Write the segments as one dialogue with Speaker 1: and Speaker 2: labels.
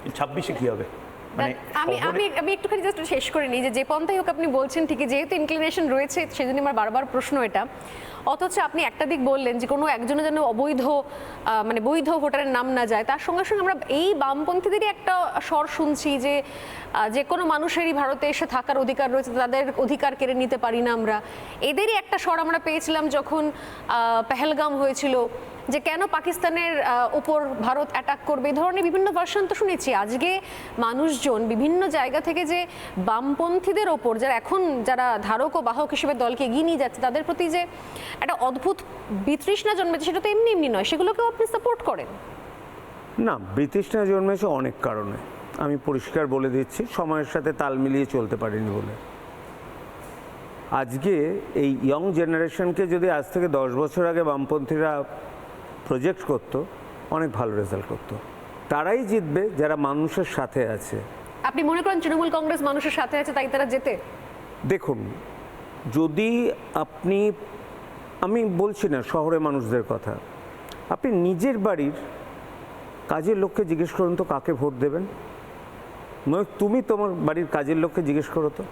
Speaker 1: 26-এ কি হবে? মানে
Speaker 2: আমি আমি আমি একটুখানি জাস্ট শেষ করে নিই যে পন্থাই হোক আপনি বলছেন ঠিকই, যেহেতু ইনক্লিনেশন রয়েছে সেজন্য আমার বারবার প্রশ্ন এটা। অথচ আপনি একটা দিক বললেন যে কোনো একজনের যেন অবৈধ মানে বৈধ ভোটারের নাম না যায়, তার সঙ্গে সঙ্গে আমরা এই বামপন্থীদেরই একটা স্বর শুনছি যে কোনো মানুষেরই ভারতে এসে থাকার অধিকার রয়েছে, তাদের অধিকার কেড়ে নিতে পারি না আমরা। এদেরই একটা স্বর আমরা পেয়েছিলাম যখন পেহেলগাম হয়েছিল, যে কেন পাকিস্তানের উপর ভারত অ্যাটাক করবে, এই ধরনের বিভিন্ন ভার্সন তো শুনেছি। আজকে মানুষজন বিভিন্ন জায়গা থেকে যে বামপন্থীদের ওপর যারা ধারক ও বাহক হিসেবে দলকে এগিয়ে নিয়ে যাচ্ছে, তাদের প্রতি যে একটা অদ্ভুত বিতৃষ্ণা জন্মেছে, সেটা তো এমনি এমনি নয়, সেগুলোকেও আপনি সাপোর্ট করেন?
Speaker 3: না, বিতৃষ্ণা জন্মেছে অনেক কারণে, আমি পরিষ্কার বলে দিচ্ছি, সময়ের সাথে তাল মিলিয়ে চলতে পারিনি বলে। আজকে এই ইয়ং জেনারেশনকে যদি আজ থেকে 10 বছর আগে বামপন্থীরা প্রজেক্ট করতো, অনেক ভালো রেজাল্ট করতো। তারাই জিতবে যারা মানুষের সাথে আছে।
Speaker 2: আপনি মনে করেন তৃণমূল কংগ্রেস মানুষের সাথে আছে তাই তারা জেতে?
Speaker 3: দেখুন, যদি আমি বলছি না শহরে মানুষদের কথা, আপনি নিজের বাড়ির কাজের লোককে জিজ্ঞেস করুন তো কাকে ভোট দেবেন। নয় তুমি তোমার বাড়ির কাজের লোককে জিজ্ঞেস করো তো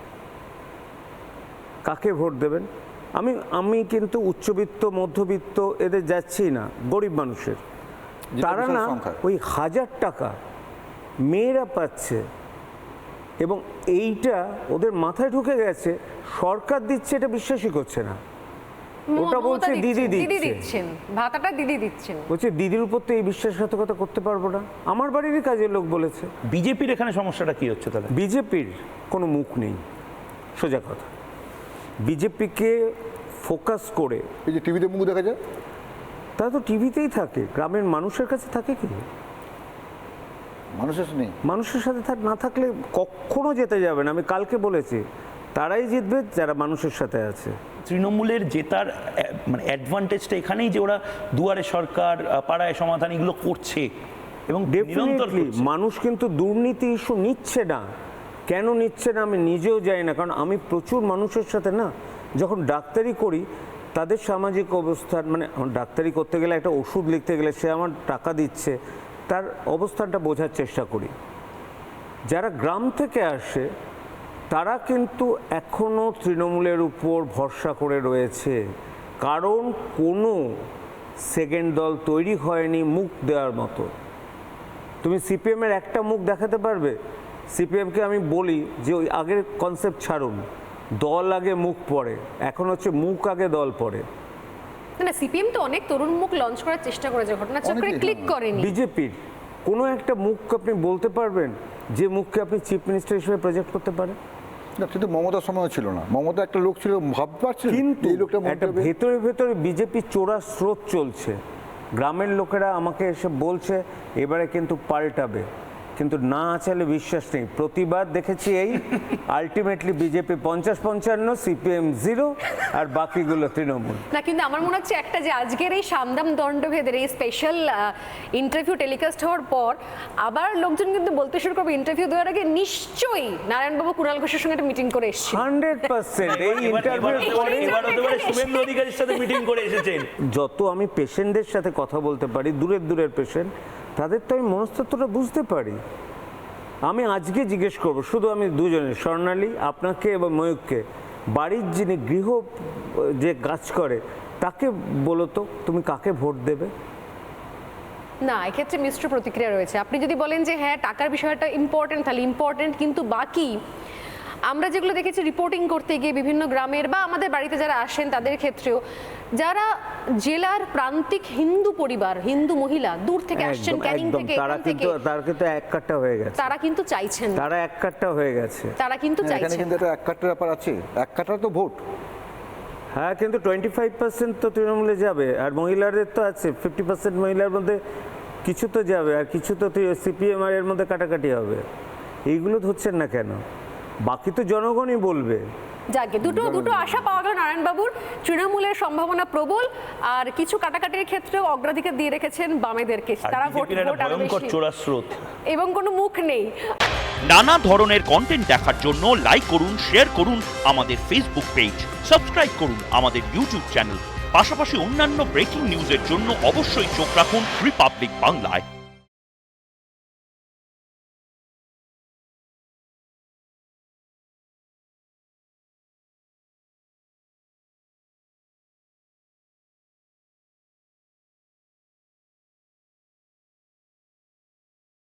Speaker 3: কাকে ভোট দেবেন। আমি কিন্তু উচ্চবিত্ত মধ্যবিত্ত এদের যাচ্ছি না, গরিব মানুষের। তারা না ওই 1000 টাকা মেয়েরা পাচ্ছে এবং এইটা ওদের মাথায় ঢুকে গেছে, সরকার দিচ্ছে এটা বিশ্বাসই করছে না। ওটা বলছে দিদি দিচ্ছেন,
Speaker 2: ভাতাটা দিদি দিচ্ছেন,
Speaker 3: বলছে দিদির উপর তো এই বিশ্বাসঘাতকতা করতে পারবো না। আমার বাড়িরই কাজের লোক বলেছে।
Speaker 1: বিজেপির এখানে সমস্যাটা কি হচ্ছে তাহলে?
Speaker 3: বিজেপির কোনো মুখ নেই, সোজা কথা। বিজেপিকে ফোকাস করে
Speaker 4: এই যে টিভিতে মুখ দেখা যায়,
Speaker 3: তারা তো টিভিতেই থাকে, গ্রামের মানুষের কাছে থাকে কি? মানুষের সাথে না থাকলে কখনো যেতে যাবে না। আমি কালকে বলেছি, তারাই জিতবে যারা মানুষের সাথে আছে।
Speaker 1: তৃণমূলের জেতার মানে অ্যাডভান্টেজটা এখানেই যে ওরা দুয়ারে সরকার, পাড়ায় সমাধান এগুলো করছে এবং
Speaker 3: ডেফিনেটলি মানুষ কিন্তু দুর্নীতি ইস্যু নিচ্ছে না। কেন নিচ্ছে না আমি নিজেও জানি না, কারণ আমি প্রচুর মানুষের সাথে না, যখন ডাক্তারি করি তাদের সামাজিক অবস্থান, মানে ডাক্তারি করতে গেলে একটা ওষুধ লিখতে গেলে সে আমার টাকা দিচ্ছে, তার অবস্থানটা বোঝার চেষ্টা করি। যারা গ্রাম থেকে আসে তারা কিন্তু এখনও তৃণমূলের উপর ভরসা করে রয়েছে, কারণ কোনো সেকেন্ড দল তৈরি হয়নি মুখ দেওয়ার মতো। তুমি সিপিএমের একটা মুখ দেখাতে পারবে? সিপিএমকে আমি বলি যে ওই আগের কনসেপ্ট ছাড়ুন, দল আগে মুখ পড়ে, এখন হচ্ছে মুখ আগে দল পড়ে।
Speaker 2: না, সিপিএম তো অনেক তরুণ মুখ লঞ্চ করার চেষ্টা করেছে, ঘটনাচক্রে ক্লিক করেনি।
Speaker 3: বিজেপির কোনো একটা মুখ আপনি বলতে পারবেন যে মুখকে আপনি চিফ মিনিস্টার হিসেবে প্রজেক্ট করতে পারেন?
Speaker 4: না, কিন্তু মমতার সময় ছিল না। মমতা একটা লোক ছিল, ভাবতে পারছেন,
Speaker 3: কিন্তু
Speaker 4: এই লোকটা
Speaker 3: একটা ভেতরে ভেতরে বিজেপি চোরা স্রোত চলছে। গ্রামের লোকেরা আমাকে এসে বলছে এবারে কিন্তু পাল্টাবে, কিন্তু না আচালে বিশ্বাস নেই। প্রতিবাদ দেখেছি এই আলটিমেটলি বিজেপি 50-55, সিপিএম 0 আর বাকিগুলো তৃণমূল।
Speaker 2: না, কিন্তু আমার মনে হচ্ছে একটা যে আজকের এই সামদাম দণ্ডভেদের এই স্পেশাল ইন্টারভিউ টেলিকাস্ট হওয়ার পর আবার লোকজন কিন্তু বলতে শুরু করবে ইন্টারভিউ দেওয়ার আগে নিশ্চয়ই নারায়ণবাবু কুণাল ঘোষের সঙ্গে একটা মিটিং করে এসেছেন।
Speaker 3: 100% এই ইন্টারভিউ পরে
Speaker 1: শুভেন্দু অধিকারীর সাথে মিটিং করে এসেছেন।
Speaker 3: যত আমি পেশেন্টদের সাথে কথা বলতে পারি, দূরের পেশেন্ট, তাদের তো আমি মনস্তত্ত্বটা বুঝতে পারি। আমি আজকে জিজ্ঞেস করব শুধু আমি দুজনের, স্বর্ণালী আপনাকে এবং ময়ূককে, বাড়ির যিনি গৃহ যে কাজ করে তাকে বলো তো তুমি কাকে ভোট দেবে?
Speaker 2: না, এক্ষেত্রে মিশ্র প্রতিক্রিয়া রয়েছে। আপনি যদি বলেন যে হ্যাঁ টাকার বিষয়টা ইম্পর্টেন্ট, তাহলে ইম্পর্টেন্ট, কিন্তু বাকি আমরা যেগুলো দেখেছি রিপোর্টিং করতে গিয়ে বিভিন্ন গ্রামের বা আমাদের বাড়িতে যারা আসেন তাদের ক্ষেত্রেও, যারা জেলার প্রান্তিক হিন্দু পরিবার, হিন্দু মহিলা দূর থেকে আসছেন, ক্যানিং থেকে,
Speaker 3: তারা কিন্তু এক কাট্টা হয়ে গেছে,
Speaker 2: তারা কিন্তু চাইছেন,
Speaker 3: তারা এক কাট্টা হয়ে গেছে,
Speaker 2: তারা কিন্তু চাইছেন।
Speaker 4: এখানে কিন্তু একটা এক কাট্টার ব্যাপার আছে, এক কাট্টার তো ভোট।
Speaker 3: হ্যাঁ, কিন্তু 25% তো তৃণমূলে যাবে, আর মহিলাদের তো আছে 50% মহিলার মধ্যে কিছু তো যাবে, আর কিছু তো সিপিএম আর এর মধ্যে কাটাকাটি হবে। এইগুলো ধরছেন না কেন? বাকি তো জনগণই বলবে।
Speaker 2: যাকে দুটো আশা পাওয়া গেল নারায়ণবাবুর, তৃণমূলের সম্ভাবনা প্রবল, আর কিছু কাটাকাটির ক্ষেত্রেও অগ্রাধিকার দিয়ে রেখেছেন বামেদেরকে, তারা ভোট এবং কোনো মুখ নেই।
Speaker 5: নানা ধরনের কন্টেন্ট দেখার জন্য লাইক করুন, শেয়ার করুন আমাদের ফেসবুক পেজ, সাবস্ক্রাইব করুন আমাদের ইউটিউব চ্যানেল। পাশাপাশি অন্যান্য ব্রেকিং নিউজের জন্য অবশ্যই চোখ রাখুন রিপাবলিক বাংলায়।